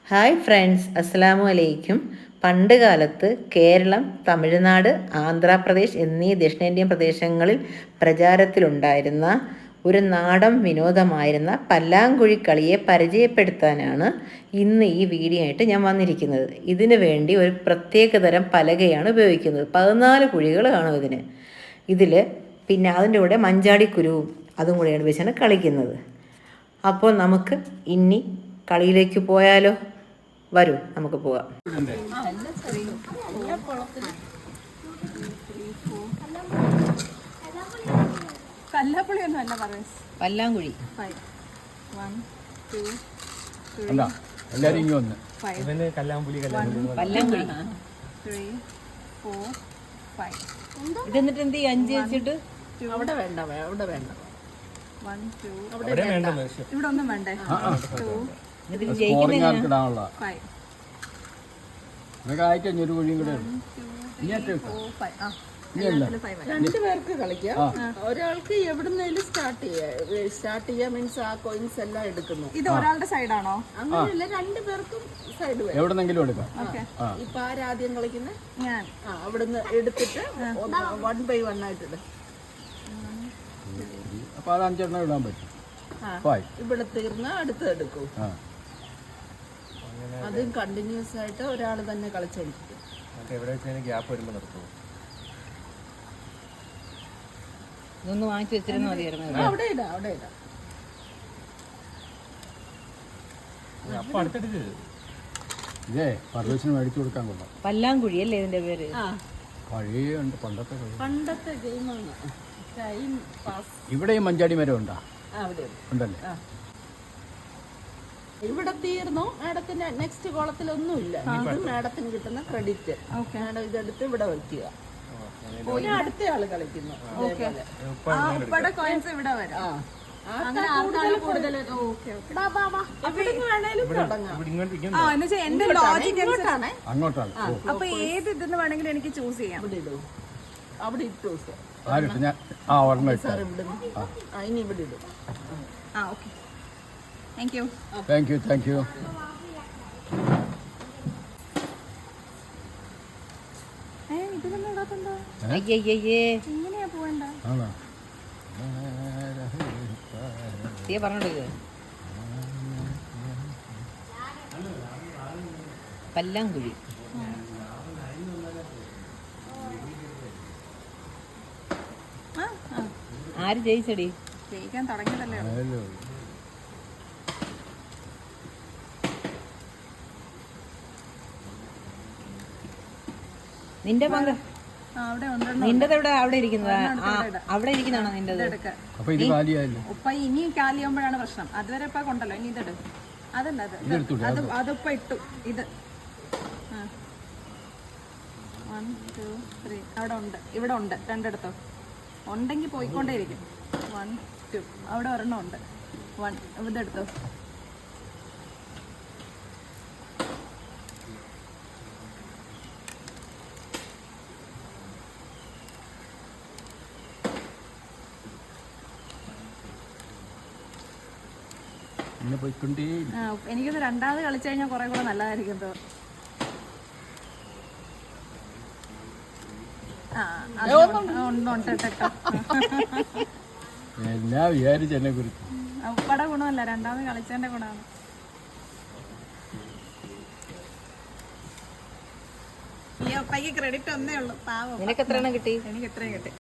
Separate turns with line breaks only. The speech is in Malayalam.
ഹായ് ഫ്രണ്ട്സ്, അസ്സലാമു അലൈക്കും. പണ്ട് കാലത്ത് കേരളം, തമിഴ്നാട്, ആന്ധ്രാപ്രദേശ് എന്നീ ദക്ഷിണേന്ത്യൻ പ്രദേശങ്ങളിൽ പ്രചാരത്തിലുണ്ടായിരുന്ന ഒരു നാടൻ വിനോദമായിരുന്ന പല്ലാങ്കുഴി കളിയെ പരിചയപ്പെടുത്താനാണ് ഇന്ന് ഈ വീഡിയോ ആയിട്ട് ഞാൻ വന്നിരിക്കുന്നത്. ഇതിനു വേണ്ടി ഒരു പ്രത്യേകതരം പലകയാണ് ഉപയോഗിക്കുന്നത്. 14 കുഴികൾ കാണും ഇതിൽ. പിന്നെ അതിൻ്റെ കൂടെ മഞ്ചാടിക്കുരുവും അതും കൂടെയാണ് വെച്ചാണ് കളിക്കുന്നത്. അപ്പോൾ നമുക്ക് ഇനി കളിയിലേക്ക് പോയാലോ? വരൂ, നമുക്ക് പോകാം. പല്ലാങ്കുഴി. പല്ലാങ്കുഴി ഇതെന്നിട്ട് എന്ത് ചെയ്യും? 5 വെച്ചിട്ട്
അവിടെ വേണ്ട, അവിടെ വേണ്ട.
1 2
ഇവിടെ ഒന്നും വേണ്ടേ? 2 2 പേർക്ക് കളിക്കാം. ഒരാൾക്ക് എവിടുന്നേലും സ്റ്റാർട്ട് ചെയ്യാം. മീൻസ് ആ കോയിൻസ് എല്ലാം എടുക്കുന്നു.
ഇത് ഒരാളുടെ സൈഡാണോ?
അങ്ങനെയല്ല, 2 പേർക്കും സൈഡ് വരും.
എവിടെന്നെങ്കിലും എടുക്കാം.
ഇപ്പൊ ആരാദ്യം കളിക്കുന്നത്?
ഞാൻ.
അവിടുന്ന് എടുത്തിട്ട് 1 by 1 ആയിട്ടിട്.
അപ്പൊ അത് 5 എണ്ണം ഇടാൻ പറ്റും.
ഇവിടെ തീർന്ന അടുത്ത് എടുക്കൂ. അതും കണ്ടിന്യൂസ് ആയിട്ട് ഒരാൾ തന്നെ കളിച്ചോണ്ടിരിക്കും.
ഇതൊന്ന് വാങ്ങിച്ചു വെച്ചിരുന്ന മതിയായിരുന്നു.
അവിടെ ഇടാം, അവിടെ ഇടാം.
ഇതേ പർവേസിന് മേടിച്ചു കൊടുക്കാൻ കൊള്ളാം.
പല്ലാങ്കുഴി അല്ലേ ഇതിന്റെ പേര്?
പഴയുണ്ട്,
പണ്ടത്തെ ഗെയിമാണ്. Time pass.
ഇവിടെ ഈ മഞ്ചാടി മരം ഉണ്ടാ?
അവിടെ
ഉണ്ടല്ലേ.
ഇവിടെ തീർന്നു. മാഡത്തിന് നെക്സ്റ്റ് കോളത്തിലൊന്നുമില്ല. ഇത് മാഡത്തിന് കിട്ടുന്ന ക്രെഡിറ്റ്. മാഡം ഇതെടുത്ത് ഇവിടെ വയ്ക്കുക. അടുത്ത ആള് കളിക്കുന്നു.
കോയിൻസ് ഇവിടെ വരും. എന്റെ ലോജിക്
അങ്ങോട്ടാണ്.
അപ്പൊ ഏത് ഇതെന്ന് വേണമെങ്കിലും എനിക്ക് ചൂസ് ചെയ്യാം.
ഇവിടെ ഇടും, അവിടെ ഇട്ടു സാർ. ഇനി ഇവിടെ ഇടും.
Okay, thank you.
Thank you.
ഇതിലൊന്നും ഇടാത്തുണ്ടോ? എങ്ങനെയാ പോവണ്ട?
പറഞ്ഞോളൂ. പല്ലാങ്കുഴി. ആര് ജയിച്ചടി?
ജയിക്കാൻ തുടങ്ങിയതല്ലേ.
നിന്റെ പങ്ക് നിന്റെത് എവിടെ? അവിടെ ഇരിക്കുന്നതാ? അവിടെ ഇരിക്കുന്നതാണോ നിന്റെത്?
ഉപ്പ ഇനി കാലിയാകുമ്പോഴാണ് പ്രശ്നം. അതുവരെ ഇപ്പൊ കൊണ്ടല്ലോ. ഇനി ഇതെടു. അതല്ല, അതിപ്പ ഇട്ടു. ഇത് 1 2 3 അവിടെ ഉണ്ട്, ഇവിടെ ഉണ്ട്. 2 എടുത്തോ. ഉണ്ടെങ്കിൽ പോയിക്കൊണ്ടേയിരിക്കും. 1 2 അവിടെ ഒരെണ്ണം ഉണ്ട്. 1 ഇതെടുത്തോ. എനിക്കൊന്ന് രണ്ടാമത് കളിച്ചു കഴിഞ്ഞാൽ കുറെ കൂടെ നല്ലതായിരിക്കും. ഉപ്പടെ ഗുണമല്ല, രണ്ടാമത് കളിച്ചതിന്റെ ഗുണമാണ്. ഈ ഉപ്പയ്ക്ക് ക്രെഡിറ്റ് ഒന്നേ ഉള്ളൂ. പാവം.
നിനക്ക് എത്ര എണ്ണം കിട്ടി?
എനിക്ക് എത്രയും കിട്ടി.